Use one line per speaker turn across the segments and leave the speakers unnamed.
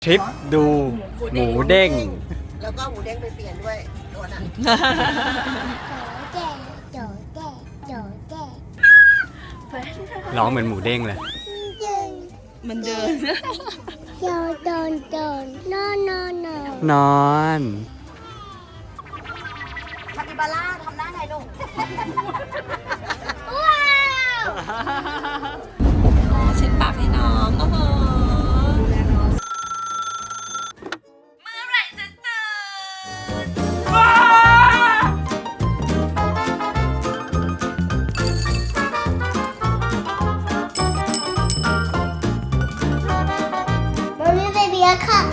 ทริปดูหมูเด้ง
แล้วก็หมูเด้งไปเปลี่ยนด้วยตัวนั้น
ร้องเหมือนหมูเด้งเลย
มันเดิน
นอน
คาปิบาร่าทำหน้าไงลูก
เช็ดปากให้น้องโอ้โหเมื่อไหร่จะตื่น
มันมีเบบีอะค่ะ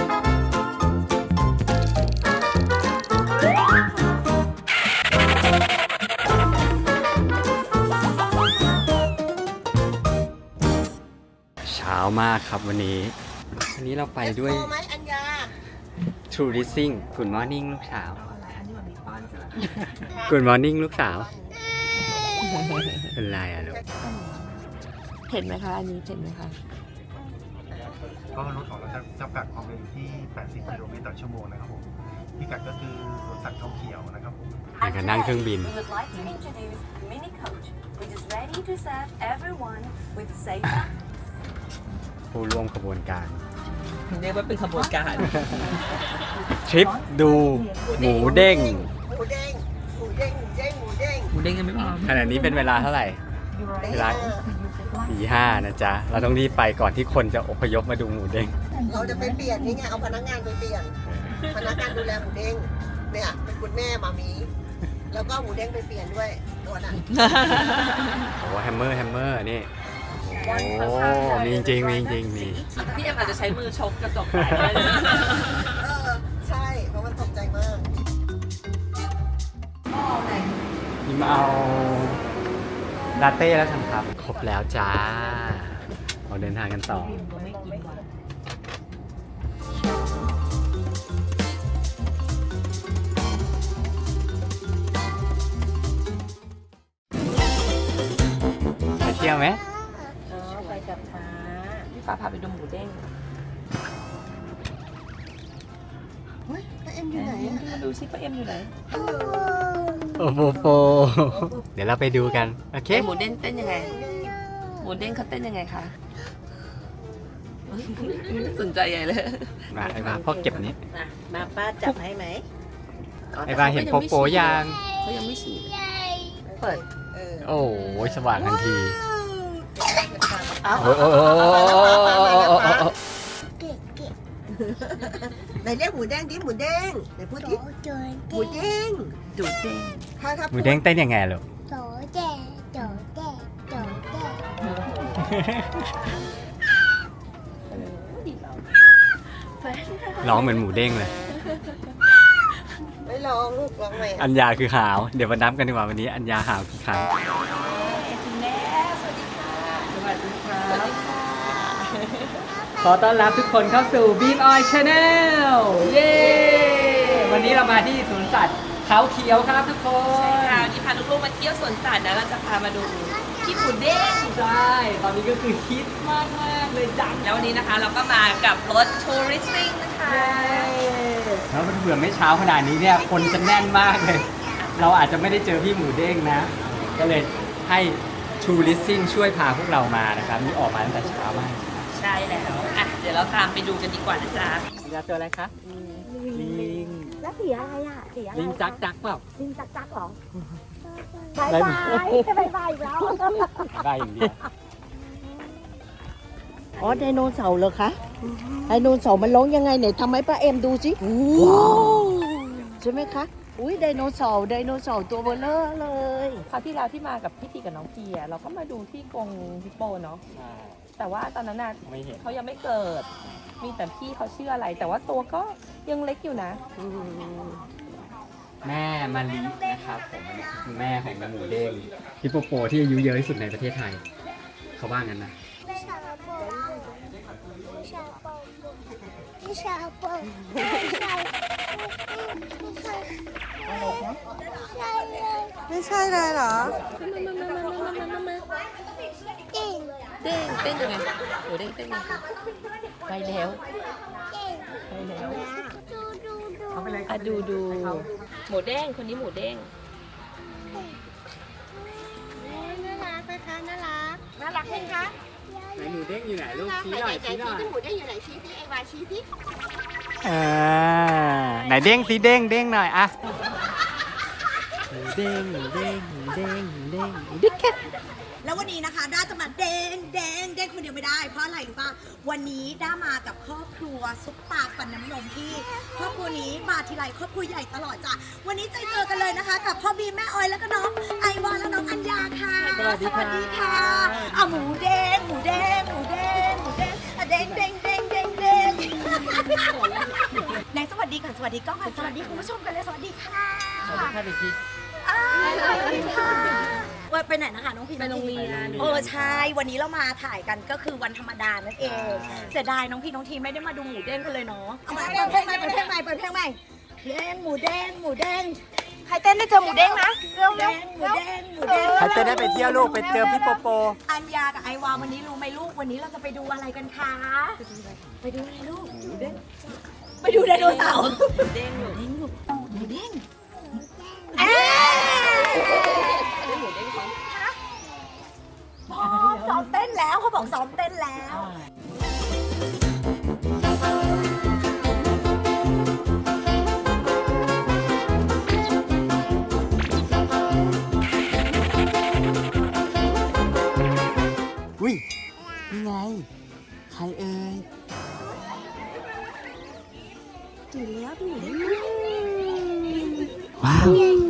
เช้ามากครับวันนี้เราไปด้วย
ไหมอัญญา
True Rising Good Morning ลูกสาว Good Morning ลูกสาว เป็นไรอะลูก
เห็นไหมคะอันนี้เห็นไหมคะ
ก็รถของเราจะจำกัดความเร็วที่ 80 กิโลเมตรต่อชั่วโมงนะครับผมพิกัดก็คือสวนสัตว์เขาเขียวนะครับผม
อยากจะนั่งเครื่องบิน
We would like to introduce Mini Coach, which is ready to serve everyone with safe.
ผู้ร่วมขบวนการ
เรียกว่าเป็นขบวนการ
ทริปดูหมูเด้ง
หมูเด้งหมูเด้งหมูเด้งหมูเด้ง
หมูเด้งยังไม่พร้อม
ขณะนี้เป็นเวลาเท่าไหร่ เวลาตีห้านะจ๊ะ เราต้องรีบไปก่อนที่คนจะอพยพมาดูหมูเด้ง
เราจะไปเปลี่ยนนี่ไงเอาพนักงานไปเปลี่ยนพนักงานดูแลหมูเด้งเนี่ยเป็นคุณแม่มามีแล้วก็หมูเด้งไปเปลี่ยนด้วยตัวนั้น
โอ้แฮมเมอร์นี่โอ้มีจริงมี
พี่เอ็มอาจจะใช้มือชกกระจก
ใช่เพราะมันตกใจมาก
นี่มาเอาลาเต้แล้วกันครับ ครบแล้วจ้าเราเดินทางกันต่อไปเที่ยวไหม
ไปกับฟ้าพี่ฟ้าพาไปดูหมูเด้ง
เฮ้ยป้าเอ็มอยู่ไหนอะ
ดูซิป้าเอ็มอยู่ไหน
โอ้โฟเดี๋ยวเราไปดูกัน โอเค
หมูเด้งเต้นยังไงหมูเด้งเขาเต้นยังไงคะไม่สนใจใหญ่เลย
มาไอ้บ้าพ่อเก็บนี้
มาป้าจับให้ไหม
ไอ้บ้าเห็นโปโปยัง
เขายังไม่ฉีดเปิด
โอ้ยสว่างทันที
เอา
โอ้โอ้
ไหนเรียกหมูแดงดิหมูแดงไหนพูดดิหมูแดง
ดูเด้ง
ถ้า
หมูเด้งเต้นยังไงลูกร้องเหมือนหมูเด้งเลย
ไม่ลองลูกลองไหม
อัญญาคือหาว เดี๋ยวมานับกันดีกว่าวันนี้อัญญาหาวกี่ครั้ง
คุณแม่สวัสดีค่ะสวัสดีค่ะสวัสดีค่ะ
ขอต้อนรับทุกคนเข้าสู่ Beam Oil Channel เย้ วันนี้เรามาที่สวนสัตว์เขาเขียวครับทุกคน
ค่ะวันนี้พาลูกๆมาเที่ยวสวนสัตว์นะเราจะพามาดูที่หมูเด้ง
ใช่ ตอนนี้ก็คือฮิตมากเลยจัง
แล้ววันนี้นะคะเราก็มากับรถทัวริสติ้งนะคะ
แล้วมันเผื่อไม่เช้าขนาดนี้เนี่ย คนจะแน่นมากเลย เราอาจจะไม่ได้เจอพี่หมูเด้งนะ ก็เลยให้ True Rising ช่วยพาพวกเรามานะครับนี่ออกมาตั้งแต่เช้ามาก
ใช่แล้วอ่ะเดี๋ยวเราตามไปดูกันดีกว่านะจ๊ะ
อัญญาตัวอะไรคะลิง
แล้วสีอะไรอ่ะสีอะไร
ลิงจักเปล่า
ลิงจักเหรอบาย
ได้
บา
ไหม
ยบายบายอีกแล้ว
ได้อย่างเดียว
อ๋อไดโนเสาร์เหรอคะไดโนเสาร์มันร้องยังไงไหนทำให้ป้าเอ็มดูสิว้าวใช่ไหมคะอุ้ยไดโนเสาร์ตัวเบลอเลย
คราวที่แล้วที่มากับพี่ทีกับน้องพีอ่ะเราก็มาดูที่กรงฮิปโปเนาะแต่ว่าตอนนั้นน่ะ
ไม่เห็น
เขายังไม่เกิด มีแต่พี่เขาชื่ออะไร แต่ว่าตัวก็ยังเล็กอยู่นะ
แม่มาลีนะครับผมอันนี้คือแม่ของหมูเด้งฮิปโปโปที่อายุเยอะที่สุดในประเทศไทย เขาว่างั้นนะ
ไม่ใช่เลยเหรอ
เเด้งเต้นยังไงหมูเด้งเต้นยังไงไปแล้วไปแล้วอ่ะดูหมูเด้งคนนี้หมูเด้ง
น่ารักนะคะน่ารักไหมคะ
ไหนหมูเด้งอยู่ไหนลูกชี้หน่อยชี้หน่อย
หมูได้อยู่ไหนชี้พี่เอวาชี้พี่
ไหนเด้งสิเด้งหน่อยอะหมูเด้งหมูเด้งหมูเด้งหมูเด้งดิ๊กแคท
แล้ววันนี้นะคะด้าจะมาเด้งคนเดียวไม่ได้เพราะอะไรรู้ป่ะวันนี้ด้ามากับครอบครัวซุปตาฟันน้ำนมที่ครอบครัวนี้มาทีไรครอบครัวใหญ่ตลอดจ้ะวันนี้เจอกันเลยนะคะ กับพ่อบีมแม่ออยแล้วก็น้องไอวานและน้องอัญญาค่ะสวัสดีค่ะอ่ะหมูเด้งอ่ะเด้งไหนสวัสดีก่อนสวัสดีกล้องก่อนสวัสดีคุณผู้ชมกันเลยสวัสดีค่ะ
สวัสดีค่ะเด็ก
สวัสดีค่ะว่าไปไหนนะคะน้องพี
ไปโรงเรียน
ใช่วันนี้เรามาถ่ายกันก็คือวันธรรมดานั่นเองเสียดายน้องพีน้องทีไม่ได้มาดูหมูเด้งกันเลยเนาะเอามาเปิดเพลงใหม่เปิดเพลงใหม่เด้งหมูเด้งใครเต้นได้เจอหมูเด้งนะเร็วหมูเด้ง
ๆเขาจะได้ไปเที่ยวลูกไปเจอพี่โปโป
อัญญากับไอวาวันนี้รู้ไหมลูกวันนี้เราจะไปดูอะไรกันคะไปดูอะไรลูกไปดูไดโนเสาร์
เด้งอยู่
หมูเด้ง ซ้อมเต้นแล้วเขาบอกซ้อมเต้นแล้ว
อุ้ยนี่ไงใครเอ่ย
ตื่นแล้วพี่หมูเด้ง
ว้าว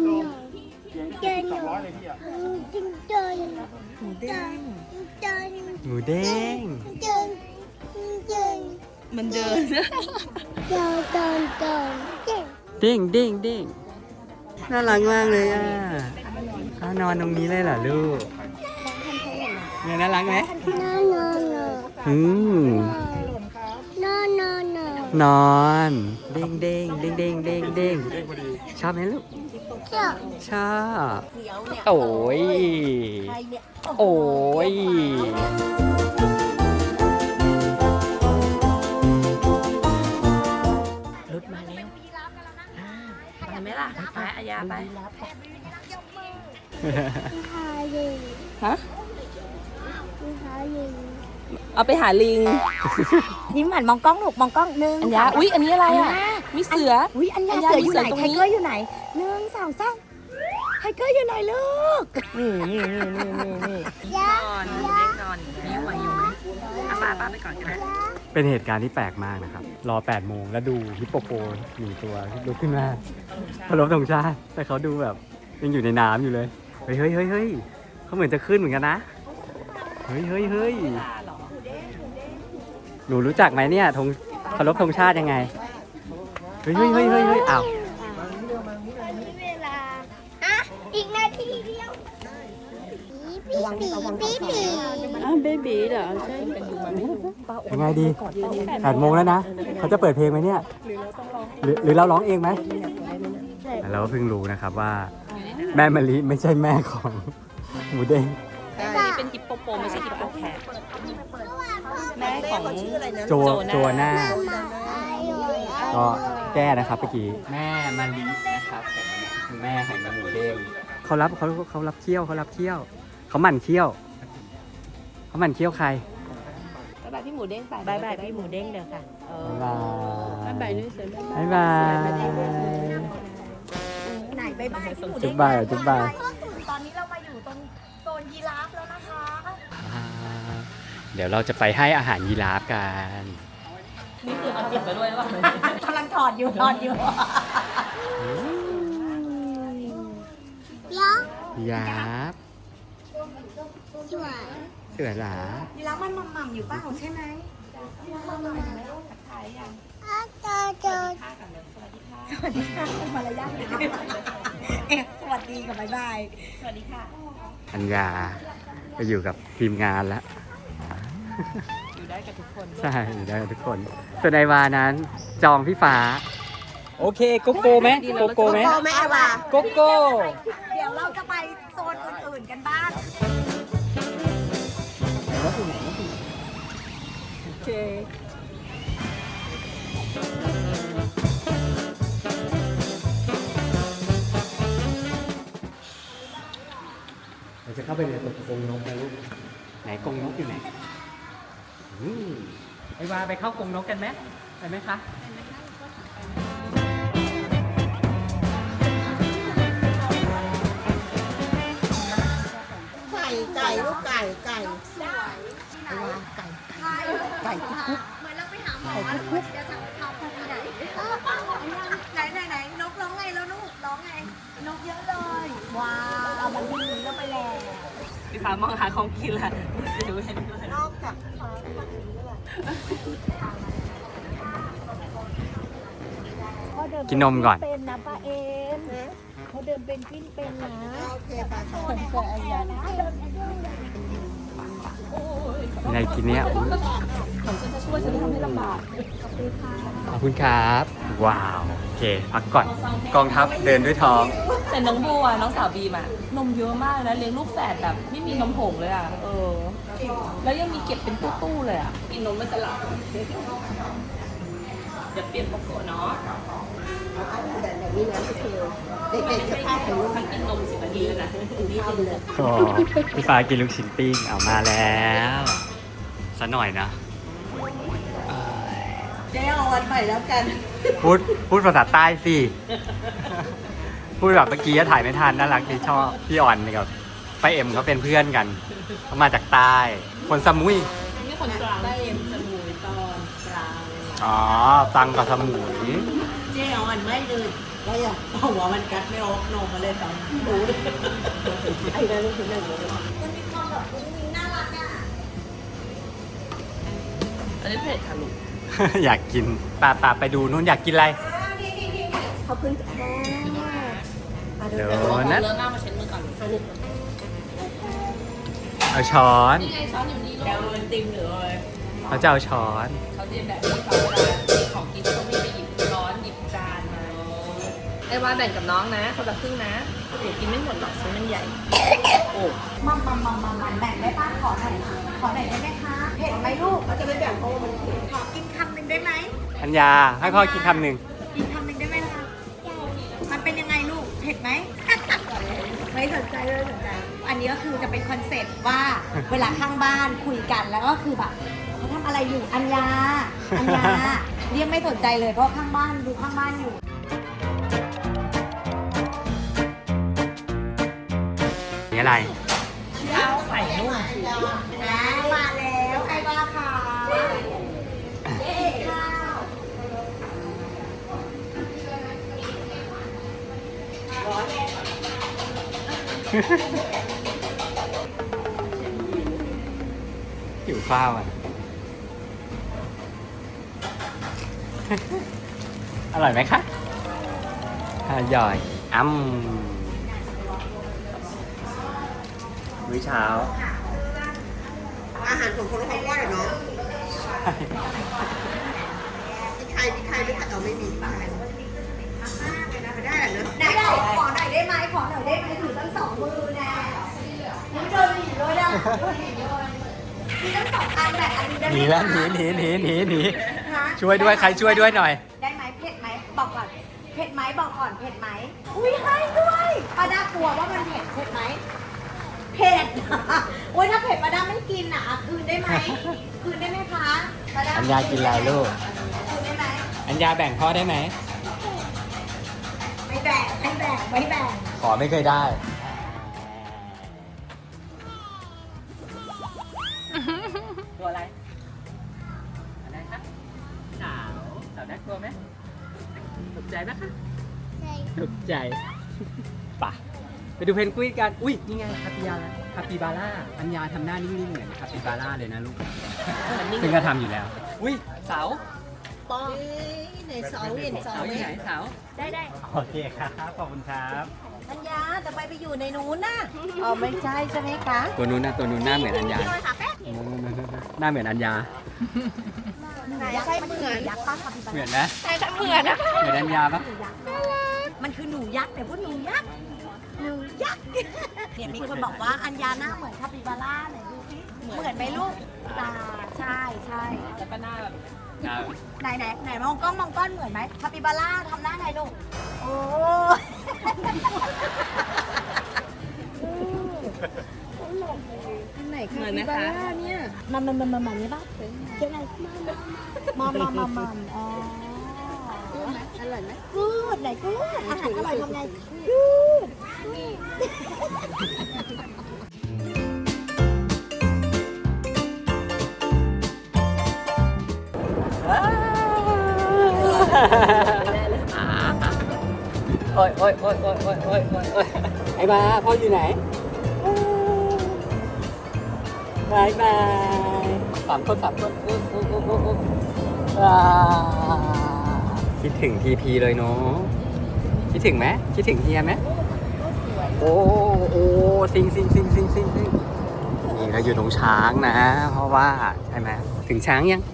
200เลยพี่อ่ะ
หมูเด้ง
หมูเด้ง
มันเดิน
เด้งน่ารักมากเลยอ่ะนอนตรงนี้เลยเหรอลูกเนี่ยน่ารักไหมนอนเด้งชอบไหมลูกชอบโอ้ย
ใครเนี่ย
โอ้ย
รถมาแล้วไปไหมล่ะไปอายาไปฮะเอาไปหาลิง
ยิ้มหันมองกล้องลูกมองกล้องหนึ่ง
อัญญาอุ๊ยอันนี้อะไรอ่ะมีเสือ
อุ้ยอัญญา
อัญญา
เสืออยู่ไหน
มีเสือตรง
ไท
นี้
เกอร์อยู่ไหน1 2 3ไทเกอร์อยู่ไหนลูก
นี่นอนเด็กนอนมีไหวอยู่ไหมเอาป้าไปก่อนก็ได้
เป็นเหตุการณ์ที่แปลกมากนะครับ รอ 8 โมงแล้วดูฮิปโปโป1 ตัวลุกขึ้นมาเคารพธงชาติแต่เขาดูแบบยังอยู่ในน้ำอยู่เลย เฮ้ยเขาเหมือนจะขึ้นเหมือนกันนะ เฮ้ยหนูรู้จักไหมเนี่ยธงเคารพธงชาติยังไง เฮ้ยอ้าว
อีกนาทีเดียวปี
เบบีเหรอใช่
ยังไงดี 8 โมงแล้วนะ เขาจะเปิดเพลงไหมเนี่ย หรือเราร้องเองไหมเราก็เพิ่งรู้นะครับว่า แม่มะลิไม่ใช่แม่ของหมูเด้ง
เป็นฮิปโปโปไม่ใช่ฮิปโปแคทแม่ของ
โจนาก็แก้นะครับเมื่อกี้แม่มะลินะครับผมคือแม่ของหมูเด้งเขารับเที่ยวเขาหมั่นเที่ยวเขาหมั่นเที่ยวใคร
บ๊ายบายพี่หมูเด้งไป
บายพี่หมูเด้งเดี๋ยวค่ะ
บ๊ายบาย
บายด้วยเสือ
บ๊ายบาย
ไหนบ๊ายบายพี่หมู
จุ๊
เด้ง
บบ่ายจุ๊บบ่าย
ตอนนี้เรามาอยู่ตรงโซนยีราฟแล้วนะคะ
เดี๋ยวเราจะไปให้อาหารยีราฟกัน
นี่คือเอาจิบไปด้วยหรือเปล่าก
ำลังถอดอยู่
ยีราฟเสือหลา
ยีราฟมันหม่ำๆอยู่เปล่าใช่ไหม สวัสดีค่ะเป็นมารยาทนะสวัสดีกับบ๊ายบาย
สวัสดีค่ะ
อัญญาไปอยู่กับทีมงานแล้ว
อยู่ได้กับทุกคน
ใช่อยู่ได้กับทุกคนส่วนไอวานั้นจองพี่ฟ้า โอเคโกโก้ไหมโกโก้ไหม
โกแม่ว่า
โกโก้
เดี๋ยวเราจะไปโซนอื่นๆกันบ้าง
แล้วถึงไหน
เค
เราจะเข้าไปในตัวกรงนกนะลูกไหนกรงนกอยู่ไหนไอ้วาไปเข้ากรงนกกันไหมไปไหมคะ
ไก่ลูกไก่ไก่ไอ้วาไก่ไก่คุก
เหมือนเราไปหาหมอแล้วเดี๋ยวจะเขาไปไหนไหนนกร้องไงแล้วลูกร้องไงนกเยอะเลยว้าวมันวิ่งหนีเราไปแล้ว
พี่ฟ้ามองหาของกินละดูเห็นด้วย
นอกจาก
กินนมก่อน
เป็นนะป้าเอ็มเขาเดินเป็นกิ้นเป็นนะโอเคป้าแต่ไอ้ยานะ
ในกินเนี้ยอุ๊ย
ของฉันจะช่วยฉันจะทำให้ลำบาก
ขอบคุณครับ ว้าว โอเค พักก่อน กองทัพเดินด้วยท้อง
แต่น้องบัวน้องสาวบีมอะนมเยอะมากนะเลี้ยงลูกแฝดแบบไม่มีนมผงเลยอะแล้วยังมีเก็บเป็นตู้ๆเลยอะกินนมมันจะหลับเดี๋ยวเปลี่ยนโปโกะเนาะ
แบบนี้นะพี่เทลเด็กๆสภาพของลูก
มันกินนม10 นาทีแล้วนะ
นี่กินเลย
โอ้พี่ฟ้ากินลูกชิ้นปิ้งเอามาแล้วสักหน่อยนะเอ้ย
เจ๊เอาวันใหม่แล้วกัน
พูดภาษาใต้สิ พูดแบบเมื่อกี้ถ่ายไม่ทันน่ารักดีชอบพี่อ่อนกับป้าเอ็มเขาเป็นเพื่อนกันเขามาจากใต้ คนสมุย
นี่คนกลางได้เอ็มสมุยตอนกลาง
อ๋อ ตังกับสมุย
เจ๊เอาวันไม่เลยก็อย่าเอาหัวมันกัดไม่ออกนมมาเลยตอนดูไอ้นั่นลูกคือหนึ่งเลย
มันมีความแบบมุ้งมิ้งน่ารักอ่ะ
อันนี้เผ็ดค่ะลูก
อยากกินปาไปดูนู้นอยากกินอะไร
ขอบคุณค่ะ
เดี๋ยว
เดี๋ยว
นะ
เลิกหน้ามาเช็ดมือก่อน
เอาช้อน
นี่ไงช้อนอยู่นี่ลูกแกวมันติมหรืออะไร
เขาจะเอาช้อน
เขาเรียนแบบนี้เขาเวลามีของกินเขาไม่ไปหยิบช้อนหยิบจานมาไอ้ว่าแบ่งกับน้องนะคนละครึ่งนะเดี๋ยวกินไม่หมดหรอกชิ้นมันใหญ่ โอ้
มันแบ่งได้ป้าขอหน่อยได้ไหมคะเผ็ดไหมลูก
เขาจะไม่แบ่งเพราะว่ามัน
ขอกินคำหนึ่งได้ไหม
อัญญาให้พ่อกินคำหนึ่ง
กินคำหนึ่งได้ไหมคะมันเป็นยังไงลูกเผ็ดไหม ไม่สนใจเลยสนใจอันนี้ก็คือจะเป็นคอนเซ็ปต์ว่าเวลาข้างบ้านคุยกันแล้วก็คือแบบเขาทำอะไรอยู่อัญญาเรียกไม่สนใจเลยเพราะข้างบ้านดูข้างบ้านอยู่
นี่อะไร
ข้าวไข่นุ่ม
มาแล้วใครว่าค่ะเย้ข้าว
หิวข้าวอ่ะ อร่อยไหมคะอร่อยมื้อเช้า
อาหารของคนละครว่าเนาะมีใครไม่ขัดเอาไม่มีป้าไม่ได้เหรอเนอะ
ไหนขอหน่อยได้ไหมถือตั้งสองมือแน่มึงเจอหนีเลยอ่ะมีตั้งสองอันแบ่งอันนี้ได้ไหม
หนีแล้วหนี ช่วยด้วยใครช่วยด้วยหน่อย
ได้ไหมเผ็ดไหมบอกก่อนเผ็ดไหมบอกก่อนเผ็ดไหมอุ้ยให้ด้วยป้าด้ากลัวว่ามันเผ็ดไหมเผ็ด โอ้ยถ้าเผ็ดป้าด้าไม่กินอ่ะคืนได้ไหมคืนได้ไหมคะป้าด้า
อัญญากินอะไรลูก
คืนได้ไหม
อัญญาแบ่งพ่อได้ไหม
ไม่แบ่ง
ขอไม่เคยได้ ตัวอะไรอะไรครับสาวน่ากลัวไหมตกใจไหมคะตกใจป่ะไปดูเพนกวินกัน อุ้ยนี่ไงคาปิบาร่าอัญญาทำหน้านิ่งๆเหมือนคาปิบาร่าเลยนะลูก ซึ่งก็ทำอยู่แล้ว อุ้ยเสา
ป้องในเสาเห็นเสา
เสาอยู่ไหนเสา
ได้
โอเคครับขอบคุณครับ
อัญญาแต่ไปอยู่ในนู้นน่ะอ๋อไม่ใช่ใช่ไหมคะ
ตัวนู้นหน้าเหมือนอัญญาหน้าเหมือนอัญญา
ไหนใช่เหมือนยักษ์ป้าคาปิบา
เหมื
ร่า
อนนะ
ใช่ค่ะเหมือนนะคะ
เหมือนอัญญาปะ
มันคือหนูยักษ์แต่ว่าหนูยักษ์เนี่ยมีคนบอกว่าอัญญาหน้าเหมือนคาปิบาร่าไหนดูสิเหมือนไหมลูกตาใช่ใช่
แล้วก็หน้าแบบ
ไหนมองกล้องเหมือนไหมคาปิบาร่าทำหน้าไงลูกโอ้ไหนคาปิบาร่าเนี่ยมันนี่ป่ะยังไงมัมอ๋ออร่อยไหมกูดไหนกูดอาหารอร่อยทำไงกูด
โอ้ยไอ้บ้าพ่ออยู่ไหนบายบายสามคนคิดถึงทีพีเลยเนาะคิดถึงไหมคิดถึงเฮียไหมโอ้ซิงนี่เราอยู่ตรงช้างนะเพราะว่าใช่ไหมถึงช้างยัง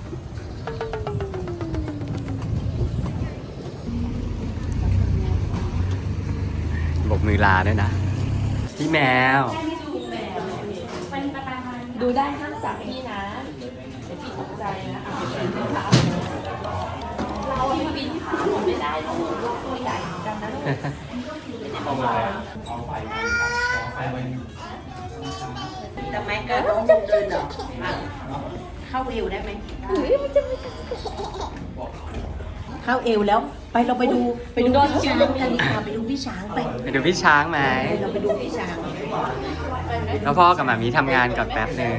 บกมือลาด้วยนะพี่แมว
ดูได้ห้ามจับพี่นะเดี๋ยวพี่ตกใจนะเราที่บินขาหมดไม่ได้ลูกตัวใหญ่เหมือนกันนะลูก
ทำไมเกิดน้องบุกเดินเหรอเข้าเอวได้ไหมเข้าเอวแล้วไปเราไปดูพี่ช้างกันดีกว่าไปดูพี่ช้างไป
ไปดูพี่ช้างไหม
เราไปดูพี่ช้าง
แล้วพ่อกับหมามีทำงานก่อนแป๊บหนึ่ง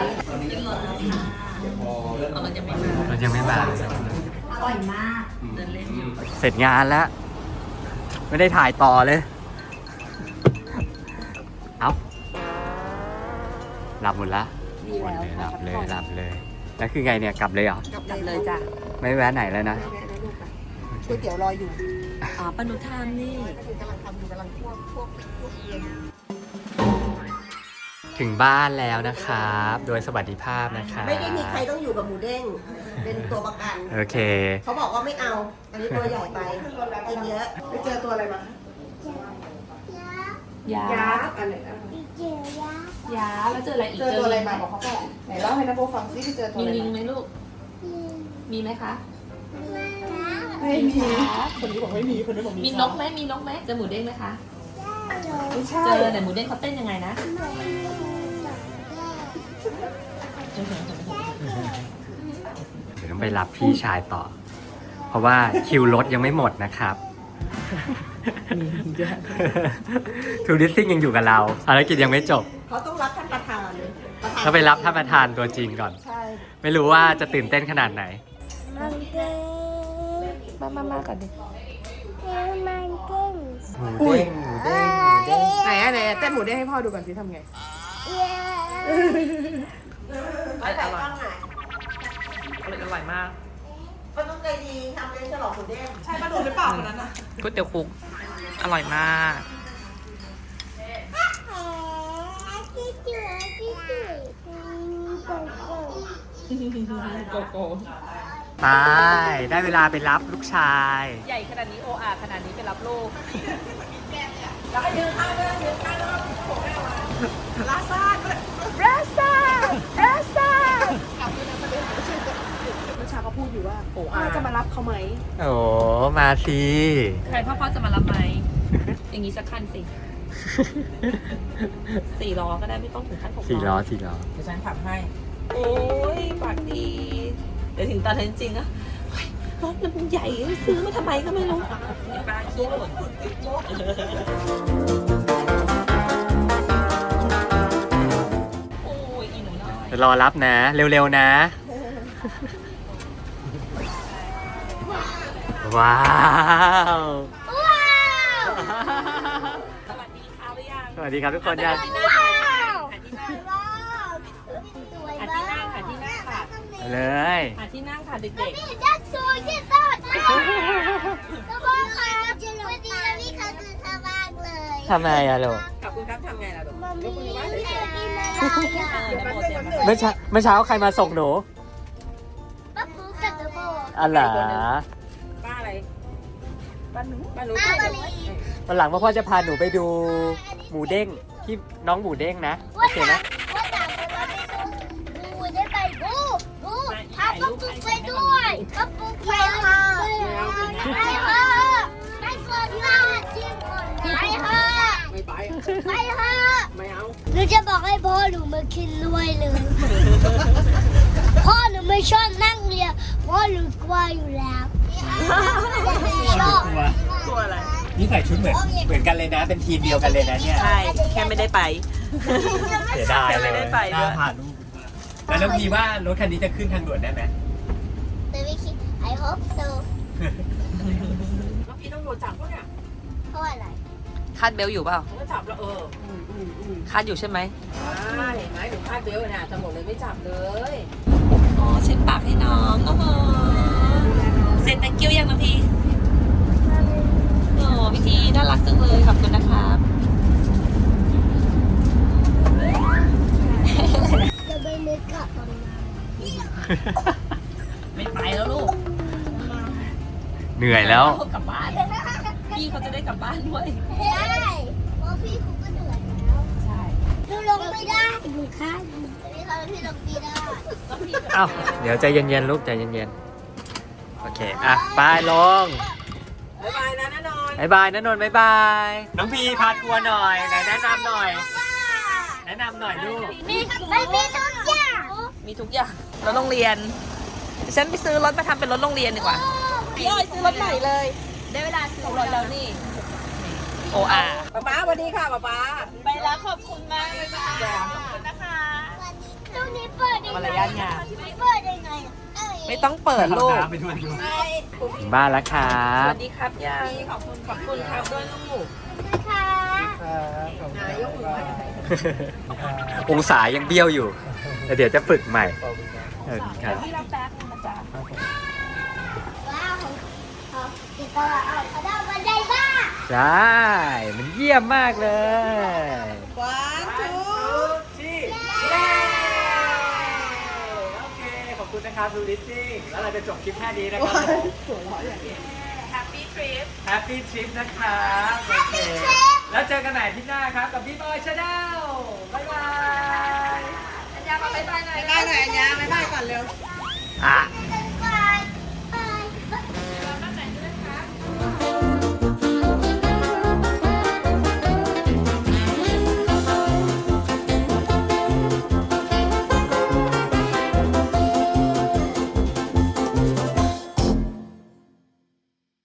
เรายังไม่มา
อร่อยมาก
เสร็จงานแล้ว ไม่ได้ถ่ายต่อเลย เอาหลับหมดละหลับเลยแล้วคือไงเนี่ยกลับเลยเหรอ
กลับเลยจ้ะ
ไม่แวะไหนแล้วนะ
ก๋วยเตี๋ยวรออยู่
อ๋อปนุธามนี่
ถึงบ้านแล้วนะครับ โดยสวัสดิภาพนะครับ
ไม่ได้มีใครต้องอยู่กับหมูเด้งเป็นตัวประกัน
โอเค
เขาบอกว่าไม่เอา อันนี้ตัวใหญ่ไปกินเยอะไปเจอตัวอะไรมา
ยา
อะไร
ยาแล้วเจออะไรอีก
เจอตัวอะไรมาบอกเขาก่อนไหนเล่าให้นะโบฟังซิไปเจอตัว
มี
อะไร
ลิง
มา
ไหมลูก มีไหมคะ
ไม่มีคนนี้บอกไม่มีคนนี้บอก
มีนกไหมมีนกไหมเจอหมูเด้งไหมคะ
ไม่ใช่
เจอแต่หมูเด้งเขาเต้นยังไงนะ
เดี๋ยวต้องไปรับพี่ชายต่อ เพราะว่าคิวรถยังไม่หมดนะครับ ทูริสซิ่งยังอยู่กับเราภารกิจยังไม่จบ
เขาต้องรับท่านประธาน
ก็ไปรับท่านประธานตัวจริงก่อน
ใช่
ไม่รู้ว่าจะตื่นเต้นขนาดไหน
มาก่อนดิ
หมูเด้ง
ไหนเต้นหมูเด้งให้พ่อดูก่อนสิทำไง
อร่อยมาก
ก็ต้องใจดีทำเลยฉลองหมูเด้ง
ใช่ป้าดูหรือเปล่าคนนั้นน่ะก๋วยเตี๋ยวคุกอร่อยมาก โกโก้
ไปได้เวลาไปรับลูกชาย
ใหญ่ขนาดนี้โออาขนาดนี้ไปรับลูก
เมื่อเช้าเขาพูดอยู่ว่าพ่อจะมารับเขาไหม
โอ้มาสิ
ใครพ่อจะมารับไหม อย่างนี้สักคันสิ 4 ล้อก็ได้ไม่ต้องถึงขั้น6
4 ล้อ
เดี๋ยวฉันขับให้ โอ้ยปากดี เดี๋ยวถึงตอนนั้นจริงอะเฮ้ยรถมันใหญ่ซื้อมาทำไมก็ไม่รู้ปลาขี้หล่นโอ้ยอีหนูน้อย
เดี๋ยวรอรับนะ เร็วๆนะ ว้าว
สวัสดีค่ะหรือยัง
สวัสดีครับทุกคนยัง
หาที่นั่งค่ะที่นั่งค่ะ
เลย
หาที่นั่งค่ะเด็ก
ทำไมอะลูก
ๆขอบคุณครับทำไงล่ะลูกยกมือไหว้เฉยๆ
เมื่อเช้าใครมาส่งหนูอ๋อเหรอ
ป้าอะไรป้าหนู
วันหลังพ่อจะพาหนูไปดูหมูเด้งที่น้องหมูเด้งนะโอเคไหม
ก็ปุ๊บไปค่ะไปค่ะไปก่อนค่ะที่ก่อนไปค่ะไม่ไปไปค่ะไม่เอาหนูจะบอกให้พ่อหนูมากินด้วยเลย พ่อหนูไม่ชอบนั่งเรือพ่อหนูกลัวอยู่แล้วชอบ
กลัวอะไร
นี่ใส่ชุดเหมือนกันเลยนะ เป็นทีมเดียวกันเลยนะเนี่ย
ใช่ แค่ไม่ได้ไป
เสียดาย
แค่
เล
ไม่
ย
ได้ไปด้วย
น่าผ่านรูปแล้วน้องพีว่ารถคันนี้จะขึ้นทางด่วนได้ไหม
แต่ไม่คิด I hope so
พี่ต้องโดนจับปะเนี่ย
เพราะอะไร
คาดเบลอยู่เปล่า
ก็จับแล้ว
คาดอยู่ใช่ไหม
ใช่เห็นไหมหนูคาดเบลต์เนี่ยตำรวจเลยไม่จับเลย
อ๋อเช็ดปากให้น้องโอ้โหเซ็น thank you ยังน้องพี่โอ้พี่ทีน่ารักจังเลยขอบคุณนะครับ
จะไปนึกกลับตอนนั้น
ไม่ไปแล้วลูก
เหนื่อยแล้ว
กลับบ้าน พี่เขาจะได้กลับบ้านด้วย
ใช่เพราะพี่เขาก็เหนื่อยแล้ว ใช่หนูลงไม่ได้หนูข้างพี่เขาพี่ลงไม่ได้
เอ้าเดี๋ยวใจเย็นๆลูกใจเย็นๆโอเคอ่ะไปลง
บ๊ายบายนะน้านอน
บายบายนะนนท์บายบาย น้องพีพาทัวร์หน่อยไหนแนะนำหน่อย แนะนำหน่อยลูก
มีทุกอย่าง
มีทุกอย่างรถโรงเรียนเดี๋ยวฉันไปซื้อรถมาทำเป็นรถโรงเรียนดีกว่า พี่อ้อยซื้อรถใหม่เลย ได้เวลาซื้อรถแล้วนี่ โออา
ป๊าสวัสดีค่ะป๊า
ไปแล้วขอบคุณมากเลยค่ะขอบคุณนะคะ
ตรงนี้เปิดยังไง
มารยาทงาม
เปิดยังไงเอ้ย
ไม่ต้องเปิดลูก
ไปด้วยถึงบ้านแล้วครั
ส
บ
วัสดีครับยายขอบคุณครับด้วยลูก
นะคะ
องศายังเบี้ยวอยู่แต่เดี๋ยวจะฝึกใหม่ครับ
พี่รับแป๊บนึงนะจ๊ะ
ว้าวเขาติดตลาดเอาเขาได้บันไดบ้า
ใช่ มันเยี่ยมมากเลย โอเค ขอบคุณนะครับดูดิสซิ่งแล้วเราจะจบคลิปแค่นี้นะครับแฮปปี้ทริปนะครับโอเค แล้วเจอกันใหม่อาที่หน้าครับ กับพี่บอยชาแนลบ๊ายบาย
อัญญามาบ๊ายบายหน่อย
บ๊ายบายหน่อยอัญญาบ๊ายบายก่อนเร็ว
อ่ะ